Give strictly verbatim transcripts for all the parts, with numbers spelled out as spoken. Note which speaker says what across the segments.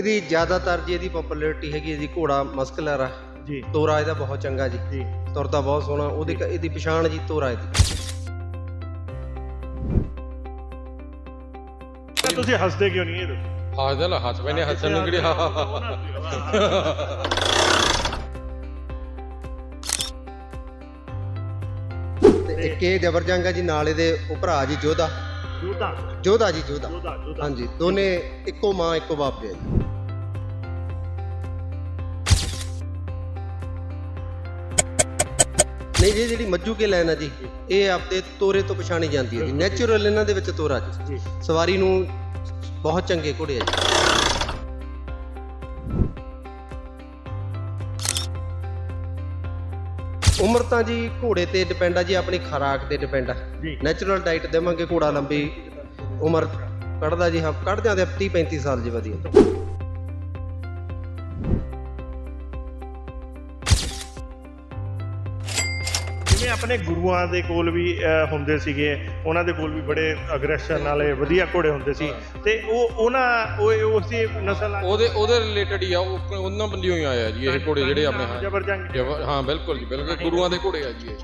Speaker 1: ਇਹਦੀ ਜ਼ਿਆਦਾਤਰ ਜੀ ਇਹਦੀ ਪਪੂਲੈਰਿਟੀ ਹੈਗੀ ਜੀ ਘੋੜਾ ਮਸਕਲਰ ਆ
Speaker 2: ਜੀ।
Speaker 1: ਤੋਰਾ ਇਹਦਾ ਬਹੁਤ ਚੰਗਾ ਜੀ
Speaker 2: ਜੀ
Speaker 1: ਤੁਰਦਾ ਬਹੁਤ ਸੋਹਣਾ। ਉਹਦੀ ਇਹਦੀ ਪਛਾਣ ਜੀ ਤੋਰਾ ਇਹਦੀ।
Speaker 2: ਤੁਸੀਂ ਹੱਸਦੇ ਕਿਉਂ ਨਹੀਂ ਇਹ ਦੱਸੋ?
Speaker 3: ਹੱਸਦਾ ਲਾ ਹੱਸ ਪੈਨੇ ਹੱਸਣ ਨੂੰ ਕਿਹੜੀ
Speaker 1: ਤੇ ਇੱਕ ਇਹ ਜਬਰ ਜੰਗ ਆ ਜੀ, ਨਾਲ ਇਹਦੇ ਉਹ ਭਰਾ ਜੀ ਜੋਧਾ
Speaker 2: ਜੋਧਾ
Speaker 1: ਜੋਧਾ ਜੀ ਜੋਧਾ
Speaker 2: ਜੋਧਾ ਜੋਧਾ
Speaker 1: ਹਾਂਜੀ, ਦੋਨੇ ਇੱਕੋ ਮਾਂ ਇੱਕੋ ਬਾਪ ਦੇ ਆ ਜੀ। ਨਹੀਂ ਜੀ, ਜਿਹੜੀ ਮੱਜੂ ਕੇ ਲੈਣ ਆ ਜੀ, ਇਹ ਆਪਦੇ ਤੋਰੇ ਤੋਂ ਪਛਾਣੀ ਜਾਂਦੀ ਹੈ ਜੀ। ਨੈਚੁਰਲ ਇਹਨਾਂ ਦੇ ਵਿੱਚ ਤੋਰਾ ਜੀ, ਸਵਾਰੀ ਨੂੰ ਬਹੁਤ ਚੰਗੇ ਘੋੜੇ ਆ ਜੀ। ਉਮਰ ਤਾਂ ਜੀ ਘੋੜੇ ਤੇ ਡਿਪੈਂਡ ਆ ਜੀ, ਆਪਣੀ ਖੁਰਾਕ ਤੇ ਡਿਪੈਂਡ ਆ। ਨੈਚੁਰਲ ਡਾਈਟ ਦੇਵਾਂਗੇ ਘੋੜਾ ਲੰਬੀ ਉਮਰ ਕੱਢਦਾ ਜੀ। ਹਾਂ, ਕੱਢ ਜਾਂਦੇ ਤੀਹ ਪੈਂਤੀ ਸਾਲ ਜੀ ਵਧੀਆ।
Speaker 2: ਜਿਵੇਂ ਆਪਣੇ ਗੁਰੂਆਂ ਦੇ ਕੋਲ ਵੀ ਹੁੰਦੇ ਸੀਗੇ, ਉਹਨਾਂ ਦੇ ਕੋਲ ਵੀ ਬੜੇ ਅਗਰੈਸ਼ਨ ਵਾਲੇ ਵਧੀਆ ਘੋੜੇ ਹੁੰਦੇ ਸੀ, ਤੇ ਉਹ ਉਹਨਾਂ ਉਹ ਉਸੇ ਨਸਲ
Speaker 3: ਉਹਦੇ ਉਹਦੇ ਰਿਲੇਟਡ ਹੀ ਆ, ਉਹ ਉਹਨਾਂ ਬੰਦਿਓ ਹੀ ਆਇਆ ਜੀ ਇਹ ਘੋੜੇ ਜਿਹੜੇ ਆਪਣੇ। ਹਾਂ
Speaker 2: ਜਬਰ ਜੰਗ।
Speaker 3: ਹਾਂ ਬਿਲਕੁਲ ਜੀ ਬਿਲਕੁਲ, ਗੁਰੂਆਂ ਦੇ ਘੋੜੇ ਆ ਜੀ ਇਹ।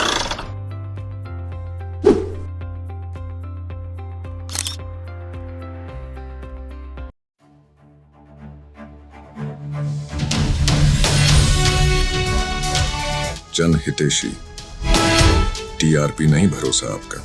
Speaker 4: जन हितेशी, टीआरपी नहीं भरोसा आपका।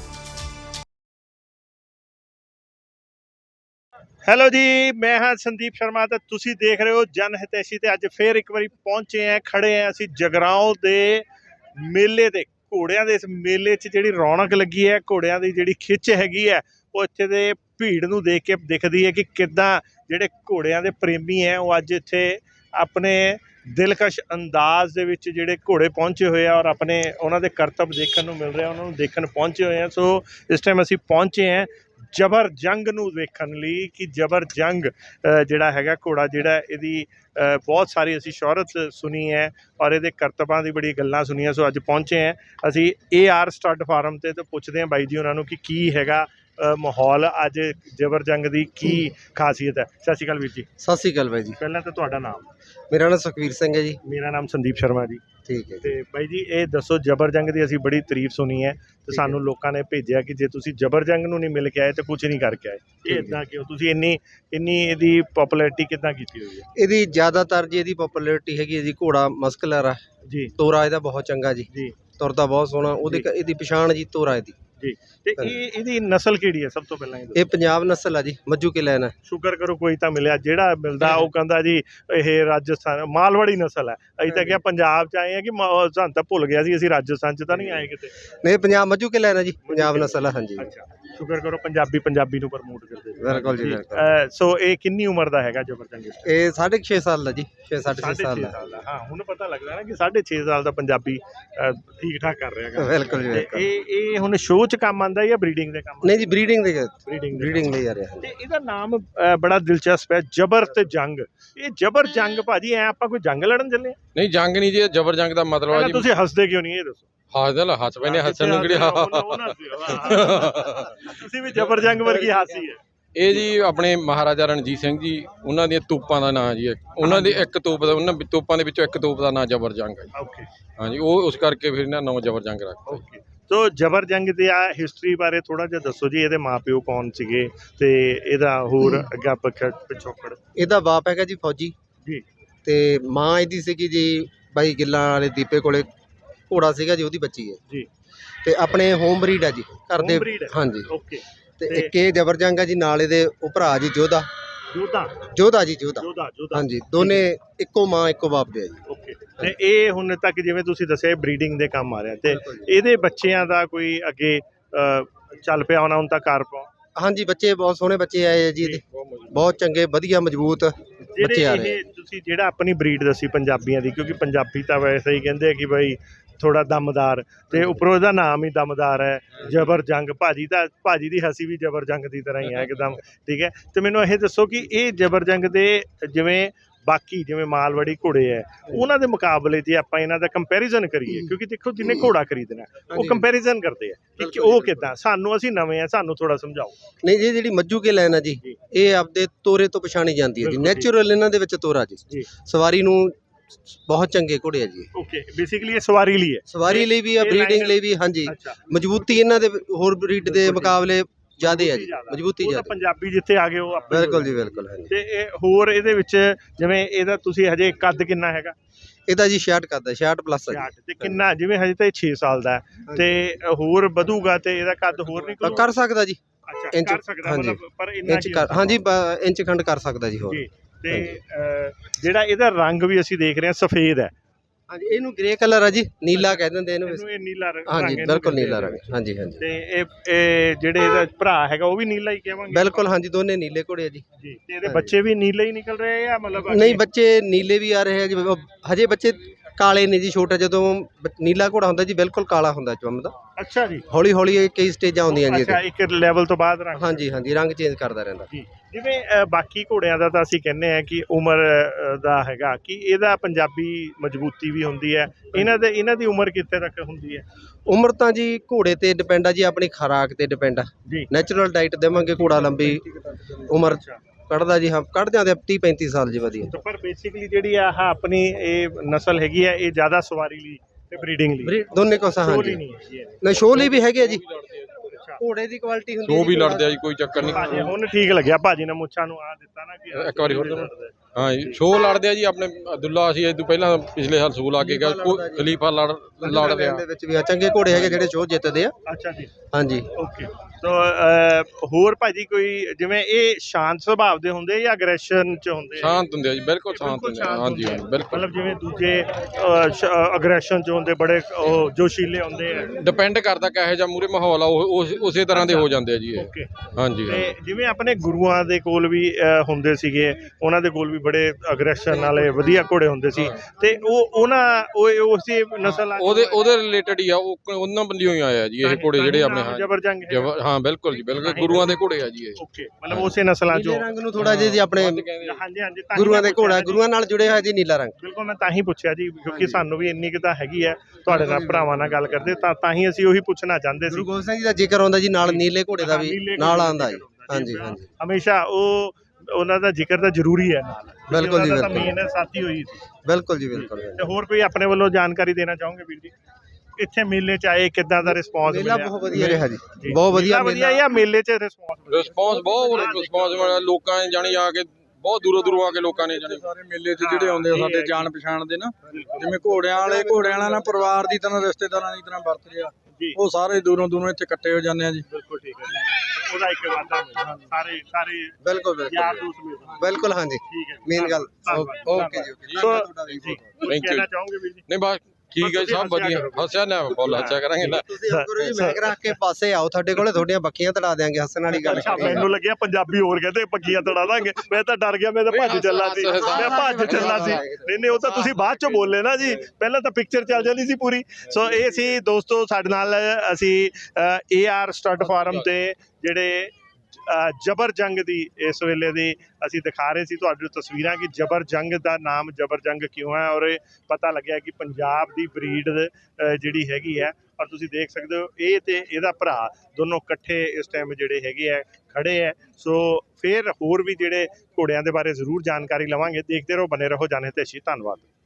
Speaker 2: ਹੈਲੋ ਜੀ, ਮੈਂ ਹਾਂ ਸੰਦੀਪ ਸ਼ਰਮਾ ਤੇ ਤੁਸੀਂ ਦੇਖ ਰਹੇ ਹੋ ਜਨ ਹਿਤੈਸ਼ੀ। ਤੇ ਅੱਜ ਫੇਰ ਇੱਕ ਵਾਰੀ ਪਹੁੰਚੇ ਆ, ਖੜੇ ਆ ਅਸੀਂ ਜਗਰਾਉਂ ਦੇ ਮੇਲੇ ਤੇ। ਘੋੜਿਆਂ ਦੇ ਇਸ ਮੇਲੇ 'ਚ ਜਿਹੜੀ ਰੌਣਕ ਲੱਗੀ ਹੈ, ਘੋੜਿਆਂ ਦੀ ਜਿਹੜੀ ਖਿੱਚ ਹੈਗੀ ਹੈ, ਉਹ ਇੱਥੇ ਦੇ ਭੀੜ ਨੂੰ ਦੇਖ ਕੇ ਦਿਖਦੀ ਹੈ ਕਿ ਕਿੱਦਾਂ ਜਿਹੜੇ ਘੋੜਿਆਂ ਦੇ ਪ੍ਰੇਮੀ ਹੈ ਉਹ ਅੱਜ ਇੱਥੇ ਆਪਣੇ ਦਿਲਕਸ਼ ਅੰਦਾਜ਼ ਦੇ ਵਿੱਚ ਜਿਹੜੇ ਘੋੜੇ ਪਹੁੰਚੇ ਹੋਏ ਆ ਔਰ ਆਪਣੇ ਉਹਨਾਂ ਦੇ ਕਰਤੱਵ ਦੇਖਣ ਨੂੰ ਮਿਲ ਰਿਹਾ, ਉਹਨਾਂ ਨੂੰ ਦੇਖਣ ਪਹੁੰਚੇ ਹੋਏ ਆ। ਸੋ ਇਸ ਟਾਈਮ ਅਸੀਂ ਪਹੁੰਚੇ ਹਾਂ ਜਬਰ ਜੰਗ ਨੂੰ ਵੇਖਣ ਲਈ ਕਿ ਜਬਰ ਜੰਗ ਜਿਹੜਾ ਹੈਗਾ ਘੋੜਾ, ਜਿਹੜਾ ਇਹਦੀ ਬਹੁਤ ਸਾਰੀ ਅਸੀਂ ਸ਼ੋਹਰਤ ਸੁਣੀ ਹੈ ਔਰ ਇਹਦੇ ਕਰਤੱਵਾਂ ਦੀ ਬੜੀ ਗੱਲਾਂ ਸੁਣੀਆਂ। ਸੋ ਅੱਜ ਪਹੁੰਚੇ ਹਾਂ ਅਸੀਂ ਏ ਆਰ ਸਟੱਡ ਫਾਰਮ 'ਤੇ ਤੇ ਪੁੱਛਦੇ ਹਾਂ ਬਾਈ ਜੀ ਉਹਨਾਂ ਨੂੰ ਕਿ ਕੀ ਹੈਗਾ ਮਾਹੌਲ ਅੱਜ, ਜਬਰ ਜੰਗ ਦੀ ਕੀ ਖਾਸੀਅਤ ਹੈ। ਸਤਿ ਸ਼੍ਰੀ ਅਕਾਲ ਵੀਰ ਜੀ।
Speaker 1: ਸਤਿ ਸ਼੍ਰੀ ਅਕਾਲ ਬਾਈ ਜੀ।
Speaker 2: ਪਹਿਲਾਂ ਤਾਂ ਤੁਹਾਡਾ ਨਾਮ?
Speaker 1: ਮੇਰਾ ਨਾਮ ਸੁਖਵੀਰ ਸਿੰਘ ਹੈ ਜੀ।
Speaker 2: ਮੇਰਾ ਨਾਮ ਸੰਦੀਪ ਸ਼ਰਮਾ ਜੀ।
Speaker 1: ਠੀਕ ਹੈ।
Speaker 2: ਤੇ ਬਾਈ ਜੀ ਇਹ ਦੱਸੋ, ਜਬਰ ਜੰਗ ਦੀ ਅਸੀਂ ਬੜੀ ਤਾਰੀਫ ਸੁਣੀ ਹੈ ਤੇ ਸਾਨੂੰ ਲੋਕਾਂ ਨੇ ਭੇਜਿਆ ਕਿ ਜੇ ਤੁਸੀਂ ਜਬਰ ਜੰਗ ਨੂੰ ਨਹੀਂ ਮਿਲ ਕੇ ਆਏ ਤਾਂ ਕੁਝ ਨਹੀਂ ਕਰਕੇ ਆਏ। ਇਹ ਇੱਦਾਂ ਕਿਉਂ? ਤੁਸੀਂ ਇੰਨੀ ਇੰਨੀ ਇਹਦੀ ਪਪੂਲੈਰਿਟੀ ਕਿੱਦਾਂ ਕੀਤੀ ਹੋਈ ਹੈ?
Speaker 1: ਇਹਦੀ ਜ਼ਿਆਦਾਤਰ ਜੀ ਇਹਦੀ ਪਪੂਲੈਰਿਟੀ ਹੈਗੀ ਹੈ ਜੀ ਘੋੜਾ ਮਸਕਲਰ ਆ ਜੀ, ਤੋਰਾ ਇਹਦਾ ਬਹੁਤ ਚੰਗਾ ਜੀ
Speaker 2: ਜੀ
Speaker 1: ਤੁਰਦਾ ਬਹੁਤ ਸੋਹਣਾ। ਉਹਦੀ ਇਹਦੀ ਪਛਾਣ ਜੀ ਤੋਰਾ ਇਹਦੀ
Speaker 2: ਜੀ। ਤੇ ਇਹ ਇਹਦੀ ਨਸਲ ਕਿਹੜੀ ਹੈ ਸਭ ਤੋਂ ਪਹਿਲਾਂ?
Speaker 1: ਇਹ ਪੰਜਾਬ ਨਸਲ ਆ ਜੀ, ਮੱਜੂ ਕੇ ਲੈਣ।
Speaker 2: ਸ਼ੁਕਰ ਕਰੋ ਕੋਈ ਤਾਂ ਮਿਲਿਆ, ਜਿਹੜਾ ਮਿਲਦਾ ਉਹ ਕਹਿੰਦਾ ਜੀ ਇਹ ਰਾਜਸਥਾਨ ਮਾਲਵਾੜੀ ਨਸਲ ਹੈ। ਅਸੀਂ ਤਾਂ ਕਿਹਾ ਪੰਜਾਬ 'ਚ ਆਏ ਆ ਕਿ ਸਾਨੂੰ ਤਾਂ ਭੁੱਲ ਗਿਆ ਸੀ, ਅਸੀਂ ਰਾਜਸਥਾਨ 'ਚ ਤਾਂ ਨਹੀਂ ਆਏ ਕਿਤੇ।
Speaker 1: ਨਹੀਂ, ਪੰਜਾਬ ਮੱਜੂ ਕੇ ਲੈਣ ਆ ਜੀ, ਪੰਜਾਬ ਨਸਲ ਆ। ਹਾਂਜੀ,
Speaker 2: ਸ਼ੁਕਰ ਕਰੋ ਪੰਜਾਬੀ ਪੰਜਾਬੀ ਨੂੰ ਪ੍ਰਮੋਟ ਕਰਦੇ।
Speaker 1: ਬਿਲਕੁਲ ਜੀ ਬਿਲਕੁਲ।
Speaker 2: ਸੋ ਇਹ ਕਿੰਨੀ ਉਮਰ ਦਾ ਹੈਗਾ ਜਬਰ ਜੰਗ?
Speaker 1: ਇਹ ਸਾਢੇ ਛੇ ਸਾਲ ਦਾ ਜੀ, ਛੇ ਸਾਢੇ ਛੇ ਸਾਲ ਦਾ।
Speaker 2: ਹਾਂ, ਹੁਣ ਪਤਾ ਲੱਗਦਾ ਨਾ ਕਿ ਸਾਢੇ ਛੇ ਸਾਲ ਦਾ ਪੰਜਾਬੀ ਠੀਕ ਠਾਕ ਕਰ ਰਿਹਾ ਹੈਗਾ।
Speaker 1: ਬਿਲਕੁਲ ਜੀ।
Speaker 2: ਇਹ ਇਹ ਹੁਣ ਸ਼ੋਅ 'ਚ ਕੰਮ ਆਉਂਦਾ ਜਾਂ ਬਰੀਡਿੰਗ ਦੇ ਕੰਮ?
Speaker 1: ਨਹੀਂ ਜੀ, ਬਰੀਡਿੰਗ ਦੇ
Speaker 2: ਬਰੀਡਿੰਗ
Speaker 1: ਬਰੀਡਿੰਗ ਲਈ ਆ ਰਿਹਾ।
Speaker 2: ਤੇ ਇਹਦਾ ਨਾਮ ਬੜਾ ਦਿਲਚਸਪ ਹੈ, ਜਬਰ ਤੇ ਜੰਗ। ਇਹ ਜਬਰ ਜੰਗ ਭਾਜੀ, ਐ ਆਪਾਂ ਕੋਈ ਜੰਗ ਲੜਨ ਚੱਲੇ?
Speaker 3: ਨਹੀਂ ਜੰਗ ਨਹੀਂ ਜੀ, ਜਬਰ ਜੰਗ ਦਾ ਮਤਲਬ ਆ ਜੀ।
Speaker 2: ਤੁਸੀਂ ਹੱਸਦੇ ਕਿਉਂ ਨਹੀਂ ਇਹ ਦੱਸੋ?
Speaker 3: ਹੱਸਦਾ ਲਾ ਹੱਸ ਪੈਨੇ ਹੱਸਣ ਨੂੰ ਕਿਹੜੀ
Speaker 2: ਤੁਸੀਂ ਵੀ ਜਬਰ ਜੰਗ ਵਰਗੀ ਹਾਸੀ ਹੈ।
Speaker 3: ਇਹ ਜੀ ਆਪਣੇ ਮਹਾਰਾਜਾ ਰਣਜੀਤ ਸਿੰਘ ਜੀ, ਉਹਨਾਂ ਦੀਆਂ ਤੋਪਾਂ ਦਾ ਨਾਂ ਜੀ। ਉਹਨਾਂ ਦੀ ਇੱਕ ਤੋਪ ਦਾ, ਉਹਨਾਂ ਤੋਪਾਂ ਦੇ ਵਿੱਚੋਂ ਇੱਕ ਤੋਪ ਦਾ ਨਾਂ ਜਬਰ ਜੰਗ ਹੈ।
Speaker 2: ਓਕੇ,
Speaker 3: ਹਾਂਜੀ, ਉਹ ਉਸ ਕਰਕੇ ਫਿਰ ਇਹਨਾਂ ਨਾਂ ਜਬਰ ਜੰਗ ਰੱਖਦੇ।
Speaker 2: ਓਕੇ। ਸੋ ਜਬਰ ਜੰਗ ਦੀ ਆ ਹਿਸਟਰੀ ਬਾਰੇ ਥੋੜਾ ਜਿਹਾ ਦੱਸੋ ਜੀ। ਇਹਦੇ ਮਾਪਿਓ ਕੌਣ ਸੀਗੇ ਤੇ ਇਹਦਾ ਹੋਰ ਅੱਗਾ ਪਿਛੋਕੜ?
Speaker 1: ਇਹਦਾ ਬਾਪ ਹੈਗਾ ਜੀ ਫੌਜੀ
Speaker 2: ਜੀ,
Speaker 1: ਤੇ ਮਾਂ ਇਹਦੀ ਸੀਗੀ ਜੀ ਬਾਈ ਗਿੱਲਾਂ ਵਾਲੇ ਦੀਪੇ ਕੋਲੇ ਘੋੜਾ ਸੀਗਾ ਜੀ, ਉਹਦੀ ਬੱਚੀ ਹੈ
Speaker 2: ਜੀ।
Speaker 1: ਤੇ ਆਪਣੇ ਹੋਮ ਬਰੀਡ ਆ ਜੀ, ਘਰ ਦੇ। ਹਾਂਜੀ।
Speaker 2: ਓਕੇ।
Speaker 1: ਤੇ ਇੱਕ ਇਹ ਜਬਰ ਜੰਗ ਆ ਜੀ, ਨਾਲ ਇਹਦੇ ਉਹ ਭਰਾ ਜੀ ਜੋਧਾ
Speaker 2: ਜੋਧਾ
Speaker 1: ਜੋਧਾ ਜੀ ਜੋਧਾ
Speaker 2: ਜੋਧਾ ਜੋਧਾ
Speaker 1: ਹਾਂਜੀ, ਦੋਨੇ ਇੱਕੋ ਮਾਂ ਇੱਕੋ ਬਾਪ ਦੇ ਆ ਜੀ।
Speaker 2: ਓਕੇ। ਤੇ ਇਹ ਹੁਣ ਤੱਕ ਜਿਵੇਂ ਤੁਸੀਂ ਦੱਸਿਆ ਬਰੀਡਿੰਗ ਦੇ ਕੰਮ ਆ ਰਿਹਾ, ਤੇ ਇਹਦੇ ਬੱਚਿਆਂ ਦਾ ਕੋਈ ਅੱਗੇ ਚੱਲ ਪਿਆ ਹੋਣਾ ਹੁਣ ਤੱਕ ਕਰ ਪਾਉ?
Speaker 1: ਹਾਂਜੀ, ਬੱਚੇ ਬਹੁਤ ਸੋਹਣੇ ਬੱਚੇ ਆਏ ਆ ਜੀ ਇਹਦੇ, ਬਹੁਤ ਚੰਗੇ ਵਧੀਆ ਮਜ਼ਬੂਤ ਬੱਚੇ ਆ ਰਹੇ।
Speaker 2: ਇਹ ਤੁਸੀਂ ਜਿਹੜਾ ਆਪਣੀ ਬਰੀਡ ਦੱਸੀ ਪੰਜਾਬੀਆਂ ਦੀ, ਕਿਉਂਕਿ ਪੰਜਾਬੀ ਤਾਂ ਵੈਸੇ ਹੀ ਕਹਿੰਦੇ ਕਿ ਬਈ ਥੋੜਾ ਦਮਦਾਰ, ਤੇ ਉੱਪਰੋਂ ਇਹਦਾ ਨਾਮ ਹੀ ਦਮਦਾਰ ਹੈ, ਜਬਰ ਜੰਗ। ਭਾਜੀ ਦਾ ਭਾਜੀ ਦੀ ਹੱਸੀ ਵੀ ਜਬਰ ਜੰਗ ਦੀ ਤਰ੍ਹਾਂ ਹੀ ਹੈ ਇੱਕਦਮ। ਠੀਕ ਹੈ, ਤੇ ਮੈਨੂੰ ਇਹ ਦੱਸੋ ਕਿ ਇਹ ਜਬਰ ਜੰਗ ਦੇ ਜਿਵੇਂ ਬਾਕੀ ਜਿਵੇਂ ਮਾਲਵੜੀ ਘੋੜੇ ਹੈ ਉਹਨਾਂ ਦੇ ਮੁਕਾਬਲੇ ਜੇ ਆਪਾਂ ਇਹਨਾਂ ਦਾ ਕੰਪੈਰੀਜ਼ਨ ਕਰੀਏ, ਕਿਉਂਕਿ ਦੇਖੋ ਜਿਹਨੇ ਘੋੜਾ ਖਰੀਦਣਾ ਉਹ ਕੰਪੈਰੀਜ਼ਨ ਕਰਦੇ ਆ ਕਿ ਉਹ ਕਿੱਦਾਂ, ਸਾਨੂੰ ਅਸੀਂ ਨਵੇਂ ਆ, ਸਾਨੂੰ ਥੋੜਾ ਸਮਝਾਓ।
Speaker 1: ਨਹੀਂ ਜੀ, ਜਿਹੜੀ ਮੱਜੂ ਕੇ ਲਾਈਨ ਆ ਜੀ, ਇਹ ਆਪਦੇ ਤੋਰੇ ਤੋਂ ਪਛਾਣੀ ਜਾਂਦੀ ਹੈ ਜੀ, ਨੈਚੁਰਲ ਇਹਨਾਂ ਦੇ ਵਿੱਚ ਤੋਰਾ ਜੀ, ਸਵਾਰੀ ਨੂੰ ਬਹੁਤ ਚੰਗੇ ਘੋੜੇ ਆ ਜੀ।
Speaker 2: ਓਕੇ, ਬੇਸਿਕਲੀ ਇਹ ਸਵਾਰੀ ਲਈ ਹੈ,
Speaker 1: ਸਵਾਰੀ ਲਈ ਵੀ ਆ, ਬਰੀਡਿੰਗ ਲਈ ਵੀ। ਹਾਂਜੀ, ਮਜ਼ਬੂਤੀ ਇਹਨਾਂ ਦੇ ਹੋਰ ਬਰੀਡ ਦੇ ਮੁਕਾਬਲੇ ਜ਼ਿਆਦੇ ਆ ਜੀ, ਮਜ਼ਬੂਤੀ ਜ਼ਿਆਦਾ।
Speaker 2: ਪੰਜਾਬੀ ਜਿੱਥੇ ਆ ਗਏ ਉਹ ਆਪੇ
Speaker 1: ਬਿਲਕੁਲ ਜੀ, ਬਿਲਕੁਲ। ਹਾਂਜੀ,
Speaker 2: ਤੇ ਇਹ ਹੋਰ ਇਹਦੇ ਵਿੱਚ ਜਿਵੇਂ ਇਹਦਾ ਤੁਸੀਂ ਹਜੇ ਕੱਦ ਕਿੰਨਾ ਹੈਗਾ?
Speaker 1: ਇਹਦਾ ਜੀ ਛਿਆਹਠ ਕਰਦਾ, ਛਿਆਹਠ ਪਲੱਸ ਆ ਜੀ।
Speaker 2: ਤੇ ਕਿੰਨਾ, ਜਿਵੇਂ ਹਜੇ ਤਾਂ ਇਹ ਛੇ ਸਾਲ ਦਾ ਹੈ ਤੇ ਹੋਰ ਵਧੂਗਾ ਤੇ ਇਹਦਾ ਕੱਦ ਹੋਰ ਨਹੀਂ
Speaker 1: ਕਰ ਸਕਦਾ ਜੀ,
Speaker 2: ਅੱਛਾ
Speaker 1: ਇੰਚ,
Speaker 2: ਕਰ ਸਕਦਾ
Speaker 1: ਹਾਂਜੀ,
Speaker 2: ਮਤਲਬ, ਪਰ ਇੰਨਾ
Speaker 1: ਇੰਚ ਕਰ, ਹਾਂਜੀ ਇੰਚ ਖੰਡ ਕਰ ਸਕਦਾ ਜੀ ਹੋਰ।
Speaker 2: ਤੇ ਜਿਹੜਾ ਇਹਦਾ ਰੰਗ ਵੀ ਅਸੀਂ ਦੇਖ ਰਹੇ ਹਾਂ ਸਫੇਦ ਹੈ।
Speaker 1: ਹਾਂਜੀ, ਇਹਨੂੰ ਗ੍ਰੇ ਕਲਰ ਆ ਜੀ, ਨੀਲਾ ਕਹਿ ਦਿੰਦੇ ਇਹਨੂੰ।
Speaker 2: ਇਹ ਨੀਲਾ ਰੰਗ,
Speaker 1: ਹਾਂਜੀ ਬਿਲਕੁਲ ਨੀਲਾ ਰੰਗ। ਹਾਂਜੀ ਹਾਂਜੀ।
Speaker 2: ਤੇ ਇਹ ਇਹ ਜਿਹੜੇ ਇਹਦਾ ਭਰਾ ਹੈਗਾ ਉਹ ਵੀ ਨੀਲਾ ਹੀ ਕਹਾਂਗੇ?
Speaker 1: ਬਿਲਕੁਲ ਹਾਂਜੀ, ਦੋਨੇ ਨੀਲੇ ਘੋੜੇ ਆ ਜੀ।
Speaker 2: ਜੀ, ਤੇ ਇਹਦੇ ਬੱਚੇ ਵੀ ਨੀਲੇ ਹੀ ਨਿਕਲ ਰਹੇ ਆ ਮਤਲਬ?
Speaker 1: ਨਹੀਂ, ਬੱਚੇ ਨੀਲੇ ਵੀ ਆ ਰਹੇ ਆ ਜੀ, ਹਜੇ ਬੱਚੇ ਕਾਲੇ ਨੇ ਜੀ। ਛੋਟਾ ਜਦੋਂ ਨੀਲਾ ਘੋੜਾ ਹੁੰਦਾ ਜੀ ਬਿਲਕੁਲ ਕਾਲਾ ਹੁੰਦਾ ਚਮਕਦਾ।
Speaker 2: ਅੱਛਾ ਜੀ,
Speaker 1: ਹੌਲੀ ਹੌਲੀ ਇਹ ਕਈ ਸਟੇਜਾਂ ਆਉਂਦੀਆਂ ਜੀ।
Speaker 2: ਅੱਛਾ, ਇੱਕ ਲੈਵਲ ਤੋਂ ਬਾਅਦ ਰੰਗ?
Speaker 1: ਹਾਂਜੀ ਹਾਂਜੀ, ਰੰਗ ਚੇਂਜ ਕਰਦਾ ਰਹਿੰਦਾ
Speaker 2: ਜੀ। ਜਿਵੇਂ ਬਾਕੀ ਘੋੜਿਆਂ ਦਾ ਤਾਂ ਅਸੀਂ ਕਹਿੰਦੇ ਆ ਕਿ ਉਮਰ ਦਾ ਹੈਗਾ, ਕਿ ਇਹਦਾ ਪੰਜਾਬੀ ਮਜ਼ਬੂਤੀ ਵੀ ਹੁੰਦੀ ਹੈ, ਇਹਨਾਂ ਦੇ ਇਹਨਾਂ ਦੀ ਉਮਰ ਕਿੱਥੇ ਤੱਕ ਹੁੰਦੀ ਹੈ?
Speaker 1: ਉਮਰ ਤਾਂ ਜੀ ਘੋੜੇ ਤੇ ਡਿਪੈਂਡ ਆ ਜੀ, ਆਪਣੀ ਖੁਰਾਕ ਤੇ ਡਿਪੈਂਡ ਆ
Speaker 2: ਜੀ।
Speaker 1: ਨੈਚੁਰਲ ਡਾਈਟ ਦੇਵਾਂਗੇ, ਘੋੜਾ ਲੰਬੀ ਉਮਰ ਕੱਢਦਾ ਜੀ। ਹਾਂ, ਕੱਢ ਜਾਂਦੇ ਤੀਹ ਪੈਂਤੀ ਸਾਲ ਜੀ ਵਧੀਆ।
Speaker 2: ਪਰ ਬੇਸਿਕਲੀ ਜਿਹੜੀ ਆਹ ਆਪਣੀ ਇਹ ਨਸਲ ਹੈਗੀ ਹੈ, ਇਹ ਜ਼ਿਆਦਾ ਸਵਾਰੀ ਲਈ ਤੇ ਬਰੀਡਿੰਗ ਲਈ
Speaker 1: ਦੋਨੇ ਕੋਸਾ। ਹਾਂਜੀ, ਨਾ ਸ਼ੋਅ ਲਈ ਵੀ ਹੈਗੇ ਆ ਜੀ, ਘੋੜੇ ਦੀ ਕੁਆਲਿਟੀ ਹੁੰਦੀ
Speaker 3: ਉਹ ਵੀ ਲੜਦੇ ਆ ਜੀ, ਕੋਈ ਚੱਕਰ ਨਹੀਂ।
Speaker 2: ਹੁਣ ਠੀਕ ਲੱਗਿਆ ਭਾਜੀ ਨੇ ਮੁੱਛਾਂ ਨੂੰ ਆ ਦਿੱਤਾ ਨਾ ਕਿ
Speaker 3: ਇੱਕ ਵਾਰੀ ਹੋਰ ਹਾਂ ਜੀ, ਸ਼ੋਅ ਲੜਦੇ ਆ ਜੀ। ਆਪਣੇ ਅਬਦੁੱਲਾ ਅਸੀਂ ਇਹ ਤੋਂ ਪਹਿਲਾਂ ਪਿਛਲੇ ਸਾਲ ਸੂਲ ਆ ਕੇ ਗਿਆ, ਖਲੀਫਾ ਲੜ ਲੜਦੇ ਆ।
Speaker 1: ਦੇ ਵਿੱਚ ਵੀ ਆ ਚੰਗੇ ਘੋੜੇ ਹੈਗੇ ਜਿਹੜੇ ਸ਼ੋਅ ਜਿੱਤਦੇ ਆ।
Speaker 2: ਅੱਛਾ ਜੀ,
Speaker 1: ਹਾਂਜੀ।
Speaker 2: ਓਕੇ। ਤੋ ਹੋਰ ਭਾਜੀ ਕੋਈ ਜਿਵੇਂ ਇਹ ਸ਼ਾਂਤ ਸੁਭਾਅ ਦੇ ਹੁੰਦੇ ਜਾਂ ਅਗਰੈਸ਼ਨ ਚ ਹੁੰਦੇ?
Speaker 3: ਸ਼ਾਂਤ ਹੁੰਦੇ ਆ ਜੀ, ਬਿਲਕੁਲ ਸ਼ਾਂਤ ਹੁੰਦੇ ਆ। ਹਾਂਜੀ ਹਾਂਜੀ, ਬਿਲਕੁਲ।
Speaker 2: ਮਤਲਬ ਜਿਵੇਂ ਦੂਜੇ ਅਗਰੈਸ਼ਨ ਚ ਹੁੰਦੇ ਬੜੇ ਉਹ ਜੋਸ਼ੀਲੇ ਹੁੰਦੇ ਆ?
Speaker 3: ਡਿਪੈਂਡ ਕਰਦਾ ਕਿਹੋ ਜਿਹਾ ਮੂਰੇ ਮਾਹੌਲ ਆ, ਉਹ ਉਸੇ ਤਰ੍ਹਾਂ ਦੇ ਹੋ ਜਾਂਦੇ ਆ ਜੀ ਇਹ।
Speaker 2: ਓਕੇ,
Speaker 3: ਹਾਂਜੀ।
Speaker 2: ਤੇ ਜਿਵੇਂ ਆਪਣੇ ਗੁਰੂਆਂ ਦੇ ਕੋਲ ਵੀ ਹੁੰਦੇ ਸੀਗੇ, ਉਹਨਾਂ ਦੇ ਕੋਲ ਵੀ ਬੜੇ ਅਗਰੈਸ਼ਨ ਵਾਲੇ ਵਧੀਆ ਘੋੜੇ ਹੁੰਦੇ ਸੀ, ਤੇ ਉਹ ਉਹਨਾਂ ਉਹ ਉਸੇ ਨਸਲ
Speaker 3: ਉਹਦੇ ਉਹਦੇ ਰਿਲੇਟਡ ਹੀ ਆ, ਉਹ ਉਹਨਾਂ ਬੰਦਿਓ ਹੀ ਆਇਆ ਜੀ ਇਹ ਘੋੜੇ ਜਿਹੜੇ ਆਪਣੇ। ਹਾਂ
Speaker 2: ਜਬਰ ਜੰਗ,
Speaker 3: ਹਾਂ ਬਿਲਕੁਲ ਜੀ, ਬਿਲਕੁਲ ਗੁਰੂਆਂ ਦੇ ਘੋੜੇ ਆ ਜੀ ਇਹ।
Speaker 2: ਓਕੇ, ਮਤਲਬ ਉਸੇ ਨਸਲਾਂ ਚੋਂ।
Speaker 1: ਰੰਗ ਨੂੰ ਥੋੜਾ ਜਿਹਾ ਜੀ ਆਪਣੇ
Speaker 2: ਹਾਂਜੀ ਹਾਂਜੀ,
Speaker 1: ਗੁਰੂਆਂ ਦੇ ਘੋੜਾ, ਗੁਰੂਆਂ ਨਾਲ ਜੁੜੇ ਹੋਇਆ ਜੀ ਨੀਲਾ ਰੰਗ।
Speaker 2: ਬਿਲਕੁਲ, ਮੈਂ ਤਾਂ ਹੀ ਪੁੱਛਿਆ ਜੀ, ਕਿਉਂਕਿ ਸਾਨੂੰ ਵੀ ਇੰਨੀ ਕੁ ਤਾਂ ਹੈਗੀ ਹੈ, ਤੁਹਾਡੇ ਨਾਲ ਭਰਾਵਾਂ ਨਾਲ ਗੱਲ ਕਰਦੇ ਤਾਂ ਤਾਂ ਹੀ ਅਸੀਂ ਉਹੀ ਪੁੱਛਣਾ ਚਾਹੁੰਦੇ ਸੀ।
Speaker 1: ਗੁਰੂ ਗੋਬਿੰਦ ਸਿੰਘ ਜੀ ਦਾ ਜ਼ਿਕਰ ਆਉਂਦਾ ਜੀ, ਨਾਲ ਨੀਲੇ ਘੋੜੇ ਦਾ ਵੀ ਨਾਲ ਆਉਂਦਾ ਜੀ। ਹਾਂਜੀ ਹਾਂਜੀ,
Speaker 2: ਹਮੇਸ਼ਾ ਉਹ ਉਹਨਾਂ ਦਾ ਜ਼ਿਕਰ ਤਾਂ ਜ਼ਰੂਰੀ ਹੈ ਨਾਲ।
Speaker 1: ਬਿਲਕੁਲ ਜੀ, ਬਿਲਕੁਲ।
Speaker 2: ਮੇਨ ਸਾਥੀ ਹੋਈ ਸੀ।
Speaker 1: ਬਿਲਕੁਲ ਜੀ, ਬਿਲਕੁਲ।
Speaker 2: ਤੇ ਹੋਰ ਕੋਈ ਆਪਣੇ ਵੱਲੋਂ ਜਾਣਕਾਰੀ ਦੇਣਾ ਚਾਹੋਗੇ ਵੀਰ ਜੀ? ਇੱਥੇ ਮੇਲੇ ਚ ਆਏ ਕਿੱਦਾਂ ਦਾ ਰਿਸਪੌਂਸ ਮਿਲਿਆ?
Speaker 1: ਮੇਲਾ ਬਹੁਤ ਵਧੀਆ ਰਿਹਾ ਜੀ, ਬਹੁਤ ਵਧੀਆ
Speaker 2: ਵਧੀਆ। ਜਾਂ ਮੇਲੇ ਚ ਰਿਸਪੌਂਸ?
Speaker 3: ਰਿਸਪੌਂਸ ਬਹੁਤ ਰਿਸਪੌਂਸ ਮਿਲਿਆ, ਲੋਕਾਂ ਨੇ ਜਾਣੀ ਆ ਕੇ ਬਹੁਤ ਦੂਰੋਂ ਦੂਰੋਂ ਆ ਕੇ ਲੋਕਾਂ ਨੇ ਜਾਣੀ
Speaker 5: ਸਾਰੇ ਮੇਲੇ 'ਚ ਜਿਹੜੇ ਆਉਂਦੇ ਆ ਸਾਡੇ ਜਾਣ ਪਛਾਣ ਦੇ ਨਾ, ਜਿਵੇਂ ਘੋੜਿਆਂ ਵਾਲੇ ਘੋੜਿਆਂ ਵਾਲਾ ਨਾ ਪਰਿਵਾਰ ਦੀ ਤਰ੍ਹਾਂ, ਰਿਸ਼ਤੇਦਾਰਾਂ ਦੀ ਤਰ੍ਹਾਂ ਵਰਤ ਰਿਹਾ, ਉਹ ਸਾਰੇ ਦੂਰੋਂ ਦੂਰੋਂ ਇੱਥੇ ਇਕੱਠੇ ਹੋ ਜਾਂਦੇ ਆ ਜੀ।
Speaker 2: ਬਿਲਕੁਲ ਠੀਕ ਹੈ ਜੀ, ਉਹਦਾ ਇੱਕ ਵਾਦਾ ਸਾਰੇ ਸਾਰੇ
Speaker 1: ਬਿਲਕੁਲ
Speaker 2: ਯਾਰ ਦੋਸਤ ਮਿਲ
Speaker 1: ਬਿਲਕੁਲ। ਹਾਂਜੀ,
Speaker 2: ਠੀਕ ਹੈ,
Speaker 1: ਮੇਨ ਗੱਲ। ਓਕੇ ਜੀ,
Speaker 2: ਥੈਂਕ ਯੂ।
Speaker 3: ਕਹਿਣਾ
Speaker 2: ਚਾਹੋਗੇ ਵੀਰ ਜੀ?
Speaker 3: ਨਹੀਂ ਬਸ ਠੀਕ ਹੈ, ਸਭ ਵਧੀਆ। ਹੱਸਿਆ ਨਾ ਬੋਲ, ਹੱਸਿਆ ਕਰਾਂਗੇ ਨਾ।
Speaker 1: ਤੁਸੀਂ ਕਰੋ ਜੀ, ਮੈਂ ਰੱਖ ਕੇ ਪਾਸੇ ਆਓ, ਤੁਹਾਡੇ ਕੋਲੇ ਤੁਹਾਡੀਆਂ ਬੱਕੀਆਂ ਤੜਾ ਦਿਆਂਗੇ। ਹੱਸਣ ਵਾਲੀ ਗੱਲ।
Speaker 2: ਮੈਨੂੰ ਲੱਗਿਆ ਪੰਜਾਬੀ ਹੋਰ ਕਹਿੰਦੇ ਪੱਕੀਆਂ ਤੜਾ ਦਾਂਗੇ, ਮੈਂ ਤਾਂ ਡਰ ਗਿਆ, ਮੈਂ ਤਾਂ ਭੱਜ ਚੱਲਾ ਸੀ, ਮੈਂ ਭੱਜ ਚੱਲਾ ਸੀ। ਨਹੀਂ ਨਹੀਂ, ਉਹ ਤਾਂ ਤੁਸੀਂ ਬਾਅਦ ਚੋਂ ਬੋਲੇ ਨਾ ਜੀ, ਪਹਿਲਾਂ ਤਾਂ ਪਿਕਚਰ ਚੱਲ ਜਾਂਦੀ ਸੀ ਪੂਰੀ। ਸੋ ਇਹ ਸੀ ਦੋਸਤੋ, ਸਾਡੇ ਨਾਲ ਅਸੀਂ ਏ ਆਰ ਸਟੱਡ ਫਾਰਮ ਤੇ ਜਿਹੜੇ ਜਬਰ ਜੰਗ ਦੀ ਇਸ ਵੇਲੇ ਦੀ ਅਸੀਂ ਦਿਖਾ ਰਹੇ ਸੀ ਤੁਹਾਡੇ ਤਸਵੀਰਾਂ ਕਿ ਜਬਰ ਜੰਗ ਦਾ ਨਾਮ ਜਬਰ ਜੰਗ ਕਿਉਂ ਹੈ, ਔਰ ਪਤਾ ਲੱਗਿਆ ਕਿ ਪੰਜਾਬ ਦੀ ਬਰੀਡ ਜਿਹੜੀ ਹੈਗੀ ਹੈ। ਔਰ ਤੁਸੀਂ ਦੇਖ ਸਕਦੇ ਹੋ ਇਹ ਤੇ ਇਹਦਾ ਭਰਾ ਦੋਨੋਂ ਇਕੱਠੇ ਇਸ ਟਾਈਮ ਜਿਹੜੇ ਹੈਗੇ ਹੈ ਖੜੇ ਹੈ। ਸੋ ਫਿਰ ਹੋਰ ਵੀ ਜਿਹੜੇ ਘੋੜਿਆਂ ਦੇ ਬਾਰੇ ਜ਼ਰੂਰ ਜਾਣਕਾਰੀ ਲਵਾਂਗੇ। ਦੇਖਦੇ ਰਹੋ, ਬਨੇ ਰਹੋ ਜਨ ਹਿਤੈਸ਼ੀ। ਧੰਨਵਾਦ।